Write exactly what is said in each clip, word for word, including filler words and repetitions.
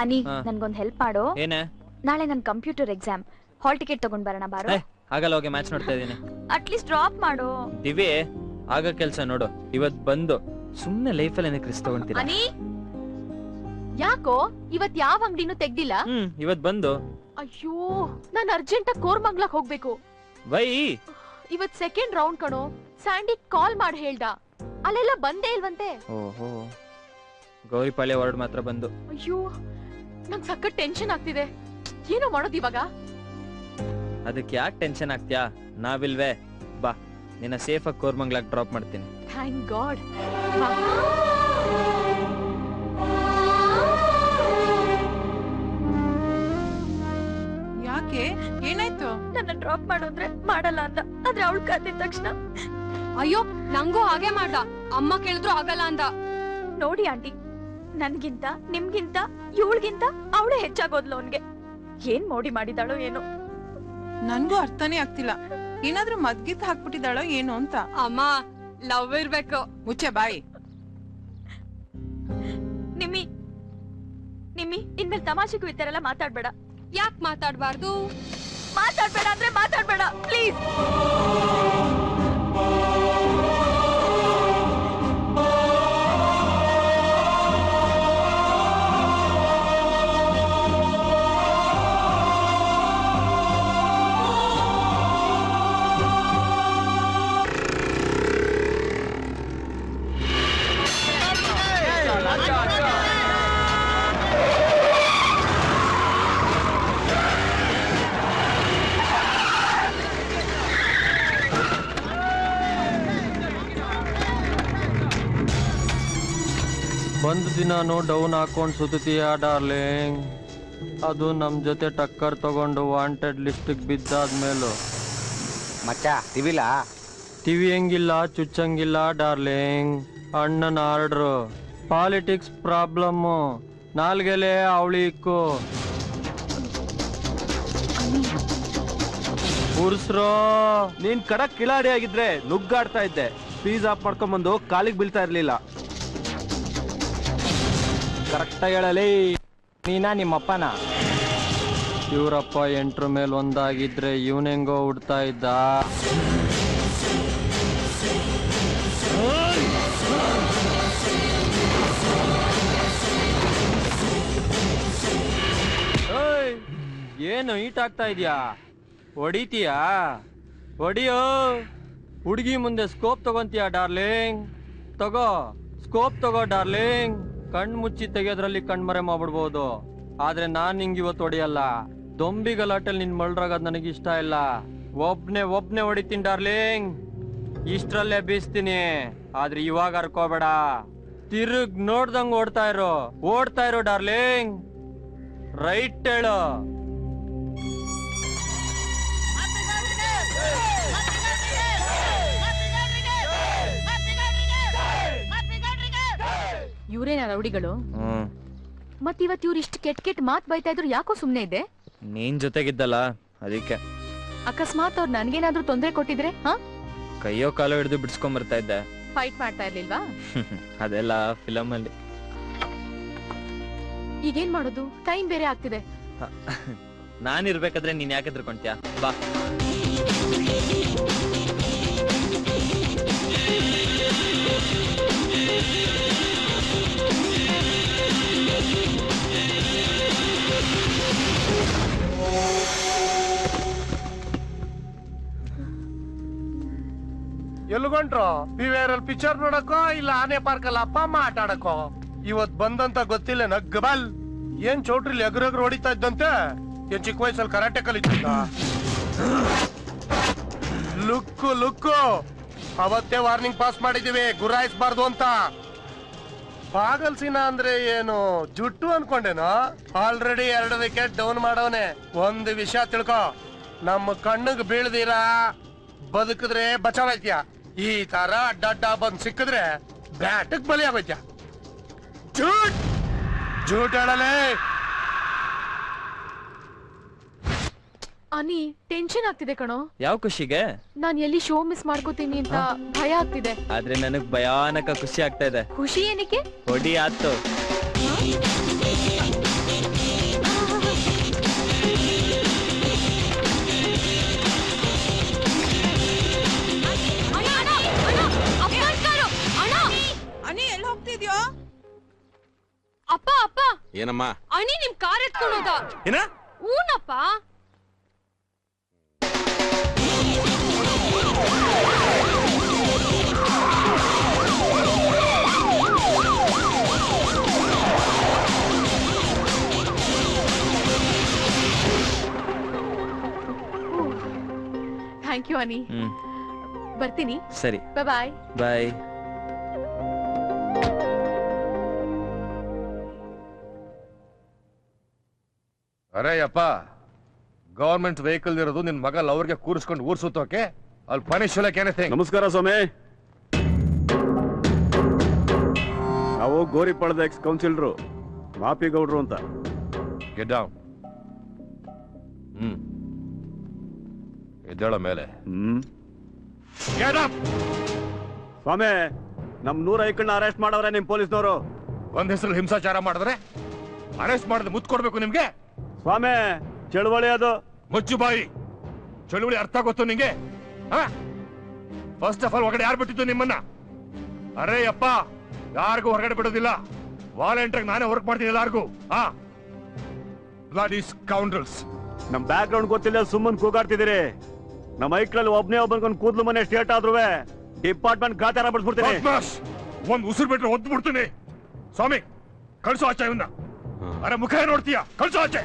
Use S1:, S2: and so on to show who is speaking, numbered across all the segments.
S1: ಅನಿ ನನ್ಗೊಂದ್ help ಮಾಡು.
S2: ಏನೇ?
S1: ನಾಳೆ ನನ್ ಕಂಪ್ಯೂಟರ್ ಎಕ್ಸಾಮ್, ಹಾಲ್ ಟಿಕೆಟ್ ತಗೊಂಡ್ ಬರೋಣ ಬಾರೋ.
S2: ಆಗಲ್ಲ, ಹೋಗಿ ಮ್ಯಾಚ್ ನೋಡ್ತಾ ಇದೀನಿ.
S1: ಅಟ್ಲೀಸ್ಟ್ ಡ್ರಾಪ್ ಮಾಡು.
S2: ದಿವಿ ಆಗ ಕೆಲ್ಸ ನೋಡು. ಇವತ್ ಬಂದು ಸುಮ್ನೆ ಲೈಫಲ್ಲಿ ಏನಕ್ಕೆ ರಿಸ್ಕ್ ತಗೊಂತೀರಾ?
S1: ಅನಿ ಯಾಕೋ ಇವತ್ ಯಾವ ಅಂಗಡಿನೂ ತೆಗ್ದಿಲ್ಲ?
S2: ಹ್ಮ್ ಇವತ್ ಬಂದು.
S1: ಅಯ್ಯೋ ನಾನ್ ಅರ್ಜೆಂಟ್ ಆಗಿ ಕೋರ್ಮಂಗ್ಲಾಕ್ ಹೋಗ್ಬೇಕು.
S2: ವೈ
S1: ಇವತ್ ಸೆಕೆಂಡ್ ರೌಂಡ್ ಕಣೋ. ಸ್ಯಾಂಡಿ ಕಾಲ್ ಮಾಡಿ ಹೇಳ್ದ, ಅಲ್ಲೆಲ್ಲ ಬಂದೇ ಇಲ್ವಂತೆ.
S2: ಓಹೋ, ಗೌರಿಪಾಳ್ಯ ವಾರ್ಡ್ ಮಾತ್ರ ಬಂದು.
S1: ಅಯ್ಯೋ ನಂಗ್ ಸಖತ್ ಟೆನ್ಷನ್ ಆಗ್ತಿದೆ. ಏನೋ ಮಾಡೋದು ಇವಾಗ?
S2: ಅದಕ್ಕೆ ಯಾಕೆ ಟೆನ್ಷನ್ ಆಗ್ತೀಯಾ? ನಾವಿಲ್ವೇ? ಬಾ, ನಿನ್ನ ಸೇಫ್ ಆಗಿ ಕೋರ್ಮಂಗ್ಲಾಕ್ ಡ್ರಾಪ್ ಮಾಡ್ತೀನಿ.
S1: Thank God.
S3: ಯಾಕೆ, ಏನಾಯ್ತು?
S1: ನನ್ನ ಡ್ರಾಪ್ ಮಾಡೋದ್ರೆ ಮಾಡಲ್ಲ ಅಂದ, ಆದ್ರೆ ಅವಳು ಕರೆದ ತಕ್ಷಣ
S4: ಅಯ್ಯೋ ನಂಗೂ ಹಾಗೆ ಮಾಡ್ದ. ಅಮ್ಮ ಕೇಳಿದ್ರು ಆಗಲ್ಲ ಅಂದ.
S1: ನೋಡಿ ಆಂಟಿ, ನನ್ಗಿಂತ ನಿಮ್ಗಿಂತ ಇವಳಿಗಿಂತ ಅವಳೇ ಹೆಚ್ಚಾಗೋದ್ಲು ಅವನ್ಗೆ. ಏನ್ ಮೋಡಿ ಮಾಡಿದಾಳೋ ಏನೋ,
S3: ನನ್ಗೂ ಅರ್ಥನೇ ಆಗ್ತಿಲ್ಲ. ಏನಾದ್ರೂ ಮದ್ಗಿತ್ ಹಾಕ್ಬಿಟ್ಟಿದಾಳೋ ಏನೋ ಅಂತ.
S4: ಅಮ್ಮ ಲವ್ ಇರ್ಬೇಕು.
S3: ಮುಚ್ಚೆ ಬಾಯಿ.
S1: ನಿಮ್ಮಿ ನಿಮ್ಮಿ ಇನ್ಮೇಲೆ ತಮಾಷೆಗೂ ಈ ತರ ಎಲ್ಲ ಮಾತಾಡ್ಬೇಡ.
S4: ಯಾಕೆ ಮಾತಾಡ್ಬಾರ್ದು?
S1: ಮಾತಾಡ್ಬೇಡ ಅಂದ್ರೆ ಮಾತಾಡ್ಬೇಡ ಪ್ಲೀಸ್.
S5: ಒಂದು ದಿನಾನು ಡೌನ್ ಹಾಕೊಂಡು ಸುತ್ತೀಯ ಡಾರ್ಲಿಂಗ್, ಅದು ನಮ್ಮ ಜೊತೆ ಟಕ್ಕರ್ ತಗೊಂಡು ವಾಂಟೆಡ್ ಲಿಸ್ಟಿಗೆ ಬಿದ್ದಾದ್ಮೇಲೂ.
S6: ಮಚ್ಚ ತಿವಿಲ್ಲ
S5: ಟಿವಿ ಹೆಂಗಿಲ್ಲ, ಚುಚ್ಚಂಗಿಲ್ಲ ಡಾರ್ಲಿಂಗ್. ಅಣ್ಣನ ಆರ್ಡ್ರು, ಪಾಲಿಟಿಕ್ಸ್ ಪ್ರಾಬ್ಲಮ್ಮು, ನಾಲ್ಗೆಲೆ ಅವಳಿ ಇಕ್ಕು ಉರ್ಸ್ರೋ.
S7: ನೀನ್ ಕಡಕ್ ಕಿಲಾಡಿ ಆಗಿದ್ರೆ ನುಗ್ಗಾಡ್ತಾ ಇದ್ದೆ. ಫೀಸ್ ಆಫ್ ಮಾಡ್ಕೊಂಡ್ಬಂದು ಕಾಲಿಗೆ ಬೀಳ್ತಾ ಇರ್ಲಿಲ್ಲ.
S5: ಕರೆಕ್ಟಾಗಿ ಹೇಳಲಿ. ನೀನಾ ನಿಮ್ಮಪ್ಪನ? ಇವರಪ್ಪ ಎಂಟ್ರ ಮೇಲೆ ಒಂದಾಗಿದ್ರೆ ಇವನೆಂಗೋ ಉಡ್ತಾ ಇದ್ದ. ಏನು ಈಟ್ ಆಗ್ತಾ ಇದೆಯಾ? ಹೊಡಿತೀಯಾ? ಹೊಡಿಯೋ. ಹುಡುಗಿ ಮುಂದೆ ಸ್ಕೋಪ್ ತಗೊಂತೀಯಾ ಡಾರ್ಲಿಂಗ್? ತಗೋ ಸ್ಕೋಪ್ ತಗೋ ಡಾರ್ಲಿಂಗ್. ಕಣ್ ಮುಚ್ಚಿ ತೆಗೆಯೋದ್ರಲ್ಲಿ ಕಣ್ಮರೆ ಮಾಡ್ಬಿಡ್ಬೋದು, ಆದ್ರೆ ನಾನ್ ನಿಂಗೆ ಇವತ್ತು ಹೊಡಿಯಲ್ಲ. ದೊಂಬಿ ಗಲಾಟೆಲ್ ನಿನ್ ಮಳ್ರಾಗದ್ ನನಗೆ ಇಷ್ಟ ಇಲ್ಲ. ಒಬ್ನೇ ಒಬ್ನೇ ಹೊಡಿತೀನಿ ಡಾರ್ಲಿಂಗ್, ಇಷ್ಟ್ರಲ್ಲೇ ಬೀಸ್ತೀನಿ. ಆದ್ರೆ ಇವಾಗ ಹರ್ಕೋಬೇಡ, ತಿರುಗ್ ನೋಡ್ದಂಗ್ ಓಡ್ತಾ ಇರೋ ಓಡ್ತಾ ಇರೋ ಡಾರ್ಲಿಂಗ್. ರೈಟ್ ಹೇಳು.
S1: ಇವ್ರೇನ ರೌಡಿಗಳು? ಮತ್ ಇವತ್ ಇವ್ರು ಇಷ್ಟು ಕೆಟ್ಟ ಕೆಟ್ಟ ಮಾತ್ ಬೈತಾ ಇದ್ರು, ಯಾಕೋ ಸುಮ್ನೆ ಇದೆ?
S2: ನೀನ್ ಜೊತೆಗಿದ್ದಲ್ಲ ಅದಕ್ಕೆ.
S1: ಅಕಸ್ಮಾತ್ ಅವ್ರು ನನ್ಗೇನಾದ್ರೂ ತೊಂದ್ರೆ ಕೊಟ್ಟಿದ್ರೆ? ಹಾ,
S2: ಕೈಯೋ ಕಾಲೋ ಹಿಡಿದು ಬಿಡ್ಸ್ಕೊಂಡ್ ಬರ್ತಾ ಇದ್ದೆ.
S1: ಫೈಟ್ ಮಾಡ್ತಾ ಇರ್ಲಿಲ್ವಾ?
S2: ಅದೆಲ್ಲ ಫಿಲಮ್ ಅಲ್ಲಿ.
S1: ಈಗೇನ್ ಮಾಡೋದು? ಟೈಮ್ ಬೇರೆ ಆಗ್ತಿದೆ.
S2: ನಾನ್ ಇರ್ಬೇಕಾದ್ರೆ ನೀನ್ ಯಾಕೆ ಹೆದರ್ಕೊಂತ್ಯಾ? ಬಾ.
S8: ಎಲ್ಗೊಂಡ್ರು? ಬಿವೇರಲ್ಲಿ ಪಿಕ್ಚರ್ ನೋಡಕೋ ಇಲ್ಲ ಆನೆ ಪಾರ್ಕ್ ಅಲ್ಲಿ ಅಪ್ಪ ಅಮ್ಮ ಆಟ ಆಡಕೋ? ಇವತ್ ಬಂದಂತ ಗೊತ್ತಿಲ್ಲ ನಗ್ಗಬಲ್. ಏನ್ ಚೌಟ್ರಿಲಿ ಎಗ್ರಗ್ರು ಹೊಡಿತಾ ಇದ್ದಂತೆ? ಏನ್ ಚಿಕ್ಕ ವಯಸ್ಸಲ್ಲಿ ಕರಾಟೆ ಕಲಿತಿದ್ದ? ಲುಕ್ಕು ಲುಕ್ಕು ಅವತ್ತೇ ವಾರ್ನಿಂಗ್ ಪಾಸ್ ಮಾಡಿದೀವಿ, ಗುರಾಯಿಸ್ಬಾರ್ದು ಅಂತ. ಪಾಗಲ್ಸಿನ ಅಂದ್ರೆ ಏನು ಜುಟ್ಟು ಅನ್ಕೊಂಡೇನೋ? ಆಲ್ರೆಡಿ ಎರಡು ವಿಕೆಟ್ ಡೌನ್ ಮಾಡವನೆ. ಒಂದು ವಿಷಯ ತಿಳ್ಕೊ, ನಮ್ಮ ಕಣ್ಣಿಗೆ ಬೀಳ್ದಿರಾ ಬದುಕಿದ್ರೆ ಬಚಾವೈತ್ಯ. ಈ ತರ ಅಡ್ಡ ಬಂದ್ ಸಿಕ್ಕಿದ್ರೆ ಬ್ಯಾಟಕ್ ಬಲಿ ಆಗೋಯ್ತ್ಯ. ಜೂಟ್ ಜೂಟ್ ಹೇಳಲೇ.
S1: ಅನಿ, ಟೆನ್ಷನ್ ಆಗ್ತಿದೆ ಕಣೋ.
S2: ಯಾವ ಖುಷಿಗೆ?
S1: ನಾನ್ ಎಲ್ಲಿ ಶೋ ಮಿಸ್ ಮಾಡ್ಕೋತೀನಿ ಅಂತ ಭಯ ಆಗ್ತಿದೆ.
S2: ಆದ್ರೆ ನನಗ್ ಭಯಾನಕ ಖುಷಿ ಆಗ್ತಾ ಇದೆ.
S1: ಖುಷಿ ಏನಕ್ಕೆ?
S2: ಹೊಡಿ ಆತು.
S9: ಏನಮ್ಮ
S4: ಅಣಿ ನಿಮ್ ಕಾರ್ ಎತ್ಕೊಂಡೋದ.
S9: ಏನ?
S4: ಊನಪ್ಪ.
S1: ಥ್ಯಾಂಕ್ ಯು ಅನಿ.
S2: ಹ್ಮ್
S1: ಬರ್ತೀನಿ.
S2: ಸರಿ
S1: ಬಾಯ್
S2: ಬಾಯ್.
S10: ಅರೇ ಅಪ್ಪ, ಗವರ್ಮೆಂಟ್ ವೆಹಿಕಲ್ ಇರೋದು ನಿನ್ ಮಗ ಅವ್ರಿಗೆ ಕೂರಿಸ್ಕೊಂಡು ಊರ್ ಸುತ್ತೋಕೆ, ಅಲ್ಲಿ ಪನಿಶ್ ಎನಿಥಿಂಗ್.
S7: ನಮಸ್ಕಾರ ಸ್ವಾಮಿ. ನಾವು ಗೋರಿಪಾಳದ ಎಕ್ಸ್ ಕೌನ್ಸಿಲರು ಮಾಪಿಗೌಡ್ರು ಅಂತ.
S10: Get down. ಹ್ಮ್ ಎದ್ದೇಳ ಮೇಲೆ.
S7: ಹ್ಮ್
S10: ಗೆಟ್ ಅಪ್.
S7: ಸ್ವಾಮಿ, ನಮ್ ನೂರ ಐಕಣ್ಣ ಅರೆಸ್ಟ್ ಮಾಡವ್ರೆ ನಿಮ್ ಪೊಲೀಸ್ನವರು.
S10: ಒಂದ್ ಹೆಸರು ಹಿಂಸಾಚಾರ ಮಾಡಿದ್ರೆ ಅರೆಸ್ಟ್ ಮಾಡಿದ್ರೆ ಮುತ್ ಕೊಡ್ಬೇಕು ನಿಮ್ಗೆ?
S7: ಸ್ವಾಮಿ, ಚಳುವಳಿ ಅದು.
S10: ಮುಚ್ಚು ಬಾಯಿ. ಚಳುವಳಿ ಅರ್ಥ ಗೊತ್ತು ನಿಂಗೆ? ಫಸ್ಟ್ ಆಫ್ ಆಲ್ ಹೊರಗಡೆ ಯಾರು ಬಿಟ್ಟಿದ್ದು ನಿಮ್ಮನ್ನ? ಅರೇ ಅಪ್ಪ, ಯಾರಿಗೂ ಹೊರಗಡೆ ಬಿಡೋದಿಲ್ಲ. ವಾಲಂಟಿಯರ್ ನಾನೇ ವರ್ಕ್ ಮಾಡ್ತೀನಿ ಎಲ್ಲಾರ್ಗು. ಹಾ, ಬ್ಲಡಿ ಸ್ಕೌಂಡ್ರಲ್ಸ್.
S7: ನಮ್ ಬ್ಯಾಕ್ ಗ್ರೌಂಡ್ ಗೊತ್ತಿಲ್ಲ, ಸುಮ್ಮನ್ ಕೂಗಾಡ್ತಿದ್ದೀರಿ. ನಮ್ಮ ಐಕ್ಳಲ್ಲಿ ಒಬ್ನೇ ಒಬ್ಬನ್ಕೊಂಡ್ ಕೂದ್ಲು ಮನೆ ಸ್ಟೇಟ್ ಆದ್ರುವೆ ಡಿಪಾರ್ಟ್ಮೆಂಟ್ ಗಾಚಾರ ಬಿಡ್ಸ್ಬಿಡ್ತೀನಿ.
S10: ಒಂದ್ ಉಸಿರು ಬಿಟ್ರೆ ಒದ್ದು ಬಿಡ್ತೀನಿ. ಸ್ವಾಮಿ, ಕಳ್ಸೋ ಆಚೆ ಇವನ್ನ. ಅರೆ ಮುಖ ನೋಡ್ತೀಯ? ಕಳ್ಸೋ ಆಚೆ.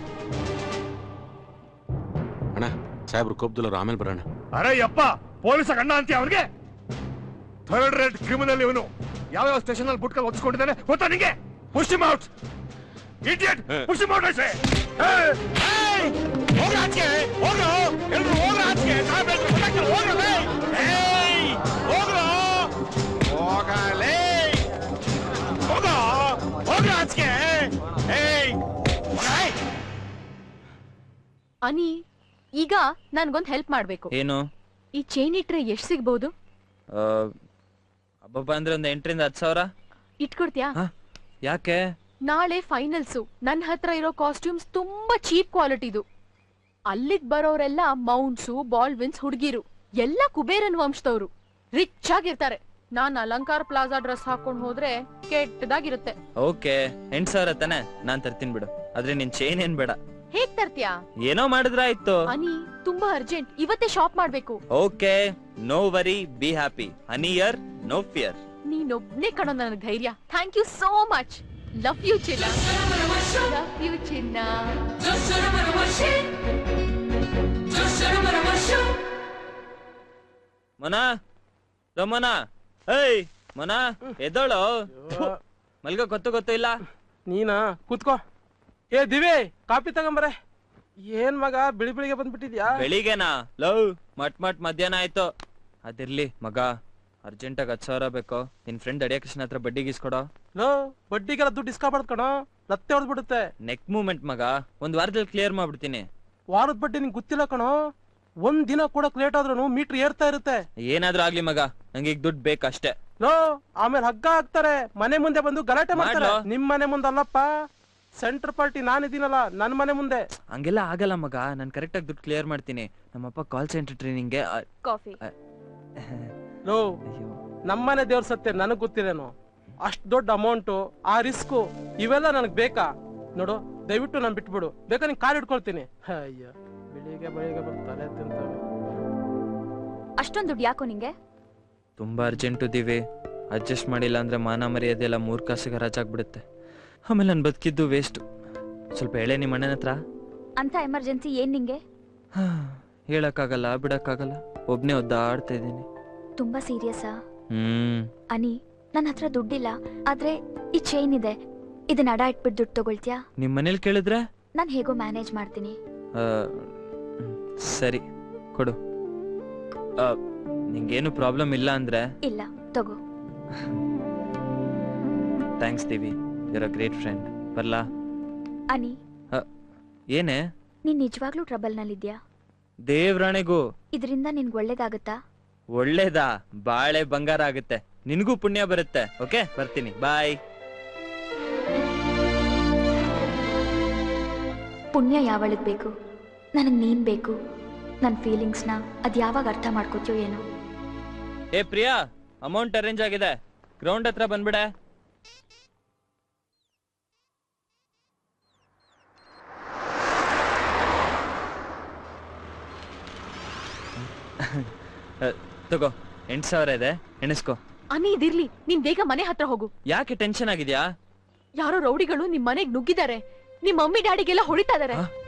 S9: ಅಣ್ಣ, ಸಾಹೇಬ್ರು ಕೋಪದಲ್ಲವ್ರು, ಆಮೇಲೆ ಬರೋಣ.
S10: ಅರೆ ಯಪ್ಪ, ಪೊಲೀಸ್ ಅಣ್ಣ ಅಂತೀಯ ಅವನಿಗೆ? ಥರ್ಡ್ ರೇಟ್ ಕ್ರಿಮಿನಲ್ ಇವನು. ಯಾವ್ಯಾವ ಸ್ಟೇಷನ್ ಅಲ್ಲಿ ಬುಟ್ಕಲ್ ಒತ್ಸ್ಕೊಂಡಿದ್ದಾನೆ ಗೊತ್ತಾ ನಿಂಗೆ? Push him out. Idiot, push him out I say. ಹೋಗ್ರ ಆಚೆ, ಹೋಗ್ರು ಎಲ್ರು ಹೋಗ್ರ ಆಚೆ. ಸಾಹೇಬ್ರು ಗೊತ್ತಾಗ್ತಿಲ್ಲ, ಹೋಗ್ರಲೇ. ಏಯ್ ಹೋಗ್ರು, ಹೋಗಲೇ, ಹೋಗ, ಹೋಗ್ರ ಆಚೆ. ಏಯ್
S1: ಅನಿ, ಈಗ ನನ್ಗೊಂದ್ ಹೆಲ್ಪ್ ಮಾಡ್ಬೇಕು.
S2: ಏನು?
S1: ಈ ಚೈನ್ ಇಟ್ರೆ ಎಷ್ಟ್ ಸಿಗ್ಬಹುದು?
S2: ಅಬ್ಬಬ್ಬ ಅಂದ್ರೆ ಒಂದ್ ಎಂಟರಿಂದ ಹತ್ತು ಸಾವಿರ
S1: ಇಟ್ಕೊಡ್ತೀಯಾ?
S2: ಯಾಕೆ?
S1: ನಾಳೆ ಫೈನಲ್ಸು. ನನ್ ಹತ್ರ ಇರೋ ಕಾಸ್ಟ್ಯೂಮ್ಸ್ ತುಂಬಾ ಚೀಪ್ ಕ್ವಾಲಿಟಿದು. ಅಲ್ಲಿಗ್ ಬರೋರೆಲ್ಲ ಮೌಂಟ್ಸು, ಬಾಲ್ವಿನ್ಸ್ ಹುಡುಗಿರು, ಎಲ್ಲ ಕುಬೇರನ್ ವಂಶದವ್ರು, ರಿಚ್ ಆಗಿರ್ತಾರೆ. ನಾನ್ ಅಲಂಕಾರ ಪ್ಲಾಜಾ ಡ್ರೆಸ್ ಹಾಕೊಂಡ್ ಹೋದ್ರೆ ಕೆಟ್ಟದಾಗಿರುತ್ತೆ.
S2: ಓಕೆ, ಎಂಟ್ ಸಾವಿರ ತಾನೆ, ನಾನ್ ತರ್ತೀನಿ ಬಿಡು. ಆದ್ರೆ ನಿನ್ ಚೈನ್ ಏನ್ ಬೇಡ.
S1: ಹೇಗ್ ತರ್ತೀಯಾ?
S2: ಏನೋ ಮಾಡಿದ್ರ ಆಯ್ತು.
S1: ಅನಿ, ತುಂಬಾ ಅರ್ಜೆಂಟ್, ಇವತ್ತೇ ಶಾಪ್ ಮಾಡ್ಬೇಕು.
S2: Okay, no worry, be happy. Honey here, no fear.
S1: ನೀನೊಬ್ನೇ ಕಣೋ ನನಗ್ ಧೈರ್ಯ. Thank you so much. Love you ಚಿನ್ನ. ಲವ್ ಯು ಚಿನ್ನ.
S2: ಮನ ಮನ ಏಯ್ ಮನ, ಎದ್ದೋಳು. ಮಲ್ಗ ಗೊತ್ತು ಗೊತ್ತು ಇಲ್ಲ.
S5: ನೀನಾ? ಕೂತ್ಕೋ. ಏ ದಿವಿ, ಕಾಪಿ ತಗೊಂಬರೆ. ಏನ್ ಮಗ ಬಿಳಿ ಬಿಳಿಗೆ ಬಂದ್ಬಿಟ್ಟಿದ್ಯಾ?
S2: ಬೆಳಿಗ್ಗೆನಾ? ಲವ್ ಮಟ್ ಮಟ್ ಮಧ್ಯಾಹ್ನ ಆಯ್ತು. ಅದಿರ್ಲಿ ಮಗ, ಅರ್ಜೆಂಟ್ ಆಗಿ ಹತ್ತು ಸಾವಿರ ಬೇಕು. ನಿನ್ ಫ್ರೆಂಡ್ ಅಡಿಯ ಕೃಷ್ಣ ಹತ್ರ ಬಡ್ಡಿ ಗೀಸ್ಕೊಡೋ.
S5: ಲೋ, ಬಡ್ಡಿಗೆಲ್ಲ ದುಡ್ಡು ಇಸ್ಕೊಬಾರ್ದು ಕಣೋ, ಲತ್ತೆ ಹೊಡೆದ್ಬಿಡುತ್ತೆ.
S2: ನೆಕ್ ಮೂವ್ಮೆಂಟ್ ಮಗ, ಒಂದ್ ವಾರದಲ್ಲಿ ಕ್ಲಿಯರ್ ಮಾಡ್ಬಿಡ್ತೀನಿ.
S5: ವಾರದ ಬಡ್ಡಿ ನಿಂಗೆ ಗೊತ್ತಿಲ್ಲ ಕಣೋ. ಒಂದ್ ದಿನ ಕೂಡ ಲೇಟ್ ಆದ್ರೂ ಮೀಟರ್ ಏರ್ತಾ ಇರುತ್ತೆ.
S2: ಏನಾದ್ರೂ ಆಗ್ಲಿ ಮಗ, ನಂಗೆ ಈಗ ದುಡ್ಡು ಬೇಕಷ್ಟೇ.
S5: ಲೋ, ಆಮೇಲೆ ಹಗ್ಗ ಹಾಕ್ತಾರೆ, ಮನೆ ಮುಂದೆ ಬಂದು ಗಲಾಟೆ ಮಾಡ್ತಾರೆ. ನಿಮ್ ಮನೆ ಮುಂದೆ ಅಲ್ಲಪ್ಪ, ಸೆಂಟರ್ ಪಾರ್ಟಿ ನಾನಿದ್ದೀನಲ್ಲ, ನನ್ ಮನೆ ಮುಂದೆ.
S2: ಹಂಗೆಲ್ಲ ಆಗಲ್ಲ ಮಗ, ನಾನ್ ಕರೆಕ್ಟ್ ಆಗಿ ದುಡ್ಡು ಕ್ಲಿಯರ್ ಮಾಡ್ತೀನಿ. ನಮ್ಮಪ್ಪ ಕಾಲ್ ಸೆಂಟರ್ ಟ್ರೈನಿಂಗ್ಗೆ.
S1: ಕಾಫಿ.
S5: ಲೋ, ನಮ್ಮನೆ ದೇವ್ರ ಸತ್ಯ ನನಗ್ ಗೊತ್ತಿರೇನು? ಅಷ್ಟ್ ದೊಡ್ಡ ಅಮೌಂಟು, ಆ ರಿಸ್ಕು, ಇವೆಲ್ಲ ನನಗ್ ಬೇಕಾ? ನೋಡು, ದಯವಿಟ್ಟು ನಾನು ಬಿಟ್ಬಿಡು. ಬೇಕಾ ನಿನ್ ಕಾರ್ ಇಟ್ಕೊಳ್ತೀನಿ. ಅಯ್ಯ, ಬೆಳಿಗ್ಗೆ ಬೆಳಿಗ್ಗೆ ಬರ್ತಾರೆ ತಿಂತವೆ.
S1: ಅಷ್ಟೊಂದು ದುಡ್ಡು ಯಾಕೋ ನಿಂಗೆ?
S2: ತುಂಬಾ ಅರ್ಜೆಂಟ್ ಇದೀವಿ. ಅಡ್ಜಸ್ಟ್ ಮಾಡಿಲ್ಲ ಅಂದ್ರೆ ಮಾನ ಮರ್ಯಾದೆಲ್ಲ ಮೂರ್ ಕಾಸಿಗೆ ಹರಾಜಾಗ್ಬಿಡುತ್ತೆ. ಆಮೇಲೆ ನನ್ ಬದುಕಿದ್ದು ವೇಸ್ಟ್. ಸ್ವಲ್ಪ ಹೇಳೇ ನಿಮ್ಮ ಅಣ್ಣನ ಹತ್ರ.
S1: ಅಂತ ಎಮರ್ಜೆನ್ಸಿ ಏನ್ ನಿಂಗೆ?
S2: ಹೇಳಕ್ಕಾಗಲ್ಲ, ಬಿಡಕ್ಕಾಗಲ್ಲ, ಒಬ್ನೇ ಒದ್ದಾಡ್ತಾ ಇದ್ದೀನಿ.
S1: ತುಂಬಾ ಸೀರಿಯಸ್ಸಾ?
S2: ಹ್ಮ್.
S1: ಅನಿ, ನನ್ನ ಹತ್ರ ದುಡ್ಡಿಲ್ಲ, ಆದ್ರೆ ಈ ಚೈನ್ ಇದೆ. ಇದನ್ನ ಅಡ ಇಟ್ಬಿಟ್ಟು ದುಡ್ಡು ತಗೊಳ್ತೀಯಾ?
S2: ನಿಮ್ ಮನೇಲಿ ಕೇಳಿದ್ರೆ?
S1: ನಾನ್ ಹೇಗೋ ಮ್ಯಾನೇಜ್ ಮಾಡ್ತೀನಿ.
S2: ಸರಿ, ಕೊಡು. ನಿಂಗೇನು ಪ್ರಾಬ್ಲಮ್ ಇಲ್ಲ ಅಂದ್ರೆ?
S1: ಇಲ್ಲ, ತಗೋ.
S2: Thanks Devi, you are a great friend. ಬರ್ಲಾ?
S1: ಅನಿ,
S2: ಏನೇ?
S1: ನೀನ್ ನಿಜವಾಗ್ಲೂ ಟ್ರಬಲ್ ನಲ್ಲಿದ್ಯಾ?
S2: ದೇವ್ರಾಣೆಗೂ.
S1: ಇದರಿಂದ ನಿನ್ಗೆ ಒಳ್ಳೇದಾಗತ್ತಾ?
S2: ಒಳ್ಳೇದಾ? ಬಾಳೆ ಬಂಗಾರ ಆಗುತ್ತೆ. ನಿನಗೂ ಪುಣ್ಯ ಬರುತ್ತೆ. ಓಕೆ, ಬರ್ತೀನಿ, ಬಾಯ್.
S1: ಪುಣ್ಯ ಯಾವಳಿಗ್ ಬೇಕು? ನನಗ್ ನೀನ್ ಬೇಕು. ನನ್ ಫೀಲಿಂಗ್ಸ್ನ ಅದ್ ಯಾವಾಗ ಅರ್ಥ ಮಾಡ್ಕೋತೀಯೋ ಏನೋ.
S2: ಏ ಪ್ರಿಯಾ, ಅಮೌಂಟ್ ಅರೇಂಜ್ ಆಗಿದೆ, ಗ್ರೌಂಡ್ ಹತ್ರ ಬಂದ್ಬಿಡೆ. ತಗೋ ಎಂಟು ಸಾವಿರ ಇದೆ ಎಣಿಸ್ಕೋ.
S1: ಅನಿ ಇದಿರ್ಲಿ, ನೀನ್ ಬೇಗ ಮನೆ ಹತ್ರ ಹೋಗು.
S2: ಯಾಕೆ ಟೆನ್ಷನ್ ಆಗಿದ್ಯಾ?
S1: ಯಾರೋ ರೌಡಿಗಳು ನಿಮ್ ಮನೆಗ್ ನುಗ್ಗಿದ್ದಾರೆ. ನಿಮ್ ಮಮ್ಮಿ ಡ್ಯಾಡಿಗೆಲ್ಲ ಹೊಡಿತಾ ಇದಾರೆ.